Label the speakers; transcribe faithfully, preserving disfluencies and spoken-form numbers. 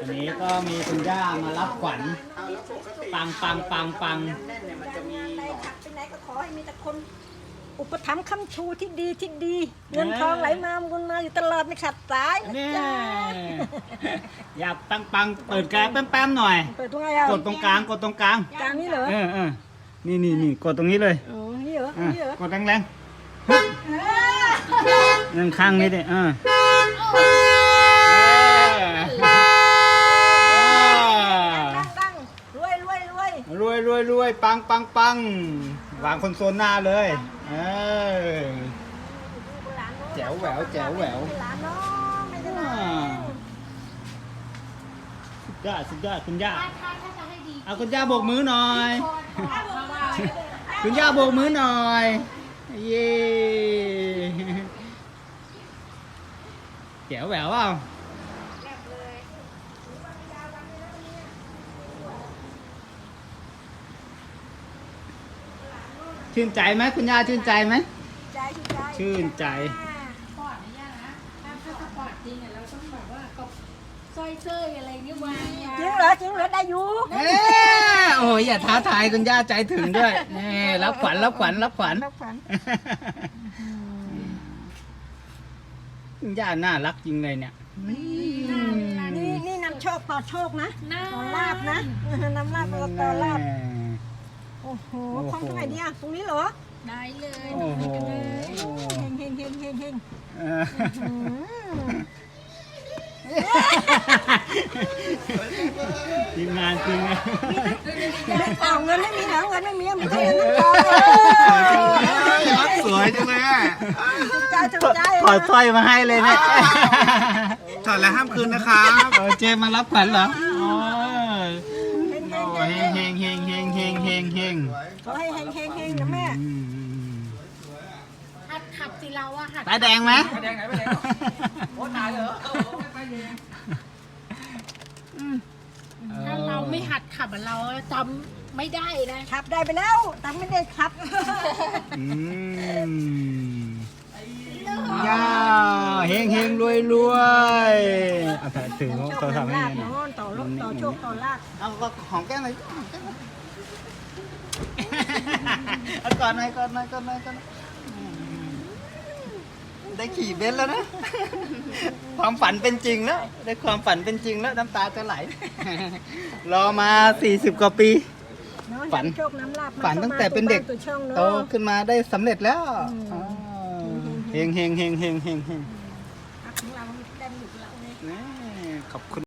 Speaker 1: วันนี้ก็มีคุณย่ามารับขวัญปังปังปังปัง
Speaker 2: ไปขับไปไหนก็ขอให้มีแต่คนอุปถัมภ์ค้ำชูที่ดีที่ดีเงินทองไหลมาบุญมาอยู่ตลอดไม่ขาดสายนะ
Speaker 1: เนี่ย
Speaker 2: จ๊ะ
Speaker 1: อยากปังปังเปิดแก๊สแป๊มๆหน่อย
Speaker 2: เปิดตรงไหนอ่ะ
Speaker 1: กดตรงกลางกดตรงกลาง
Speaker 2: กลางนี้เหรอ
Speaker 1: เออเออนี่นี่นี่กดตรงนี้เลย
Speaker 2: อ๋อนี่เหรอ
Speaker 1: อ่ะ
Speaker 2: นี่เหรอก
Speaker 1: ดแรงๆฮึบนั่งข้างนี้ดิเออเออ
Speaker 2: ตั้งตั้งรวยรวยรวย
Speaker 1: รวยรวยรวยปังปังปังวางคนโซนหน้าเลยเออ แจ๋วแหววแจ๋วแหวว
Speaker 2: หลานน้องไม่ได้หลาน
Speaker 1: สุดยอดสุดยอดคุณย่า
Speaker 3: ถ้าถ้าถ้าจะให้ดี
Speaker 1: เอาคุณย่าโบกมือหน่อย
Speaker 3: เพราะว่า
Speaker 1: คุณย่าโบกมือหน่อยเย้แจ๋วแหววเปล่าชื่นใจไหมคุณย่าชื่นใจไหม
Speaker 2: ใจใจ
Speaker 1: ชื่นใจ
Speaker 3: ปอดนะย่านะถ้าถ้าสปอร์ตจริงอ่ะเราต้องแบบว่ากับสร้อยเสื้ออะไรเงี้ยวาง
Speaker 2: จริงเหรอจริงเหรอได้อยู่
Speaker 1: เอ้ยโอ้ยอย่าท้าทายคุณย่าใจถึงด้วยนี่รับขวัญรับขวัญรับขวัญ
Speaker 2: รับขวัญ
Speaker 1: คุณย่าน่ารักจริงเลยเนี่ย
Speaker 2: นี่นี่นำโชคต่อโชคนะ
Speaker 3: น่า
Speaker 2: ต่อลาบนะนำลาบมาต่อลาบโอ้โหคล้องตรงไหนเนี่ยตรงนี้เหรอ
Speaker 3: ได้เลย
Speaker 1: โอ้โห
Speaker 2: เฮงเฮงเฮงเฮงเฮง
Speaker 1: เออ
Speaker 2: อืม
Speaker 1: ทีมงานจริงอะ
Speaker 2: เอาเงินไม่มีเหรอเงินไม่มีมีแต่เงินน้ำทอง
Speaker 4: รักสวยจังเลยอ่ะ
Speaker 2: ถูกใจถูกใจ
Speaker 1: ถอดสร้อยมาให้เลยเนี่ย
Speaker 4: ถอดแล้วห้ามคืนนะครับ
Speaker 1: เออเจมมารับขวัญเหรอโอ้ย
Speaker 2: เฮงเฮง
Speaker 1: โอ้ยเฮงเฮงเฮงเฮงเฮงเฮงเฮง
Speaker 2: ขอให้เฮงเฮงเฮงนะแม่
Speaker 1: อืม
Speaker 3: หัดขับสิเราอะหัด
Speaker 1: ตาแดงไหม
Speaker 4: ไม่แดงไหนไม่แดงโอ้ตายเหรอ
Speaker 3: ถ้าเราไม่หัดขับอะเราจำไม่ได้นะ
Speaker 2: ขับได้ไปแล้วแต่ไม่ได้ขับ
Speaker 1: อืมย่าเฮงเฮงรวยรวยเอาถ่ายถือ
Speaker 2: โช
Speaker 1: โทร
Speaker 2: ค
Speaker 1: ศัพท์ให้
Speaker 2: ลาบ
Speaker 1: หน่อย
Speaker 2: โน่นต่อลบต่อโชคต่อลาบ
Speaker 1: เอาก็หอมแก้มหน่อยหอมแก้มหน่อยเอาก่อนหน่อยก่อนหน่อยก่อนหน่อยก่อนหน่อยได้ขี่เบนซ์แล้วนะ ความฝันเป็นจริงแล้ว ได้ความฝันเป็นจริงแล้วน้ำตาจะไหล รอมาสี่สิบกว่าปี ฝัน
Speaker 2: โชคน้ำลาบ
Speaker 1: ฝันตั้งแต่เป็นเด็ก
Speaker 2: ตัวช่องเนอะ
Speaker 1: โตขึ้นมาได้สำเร็จแล้ว
Speaker 2: อืม
Speaker 1: อ๋อเฮงเฮงเฮงเฮงเฮงเฮง
Speaker 2: ของเราได้หยุดเราเนี่ย
Speaker 1: นี่ขอบคุณ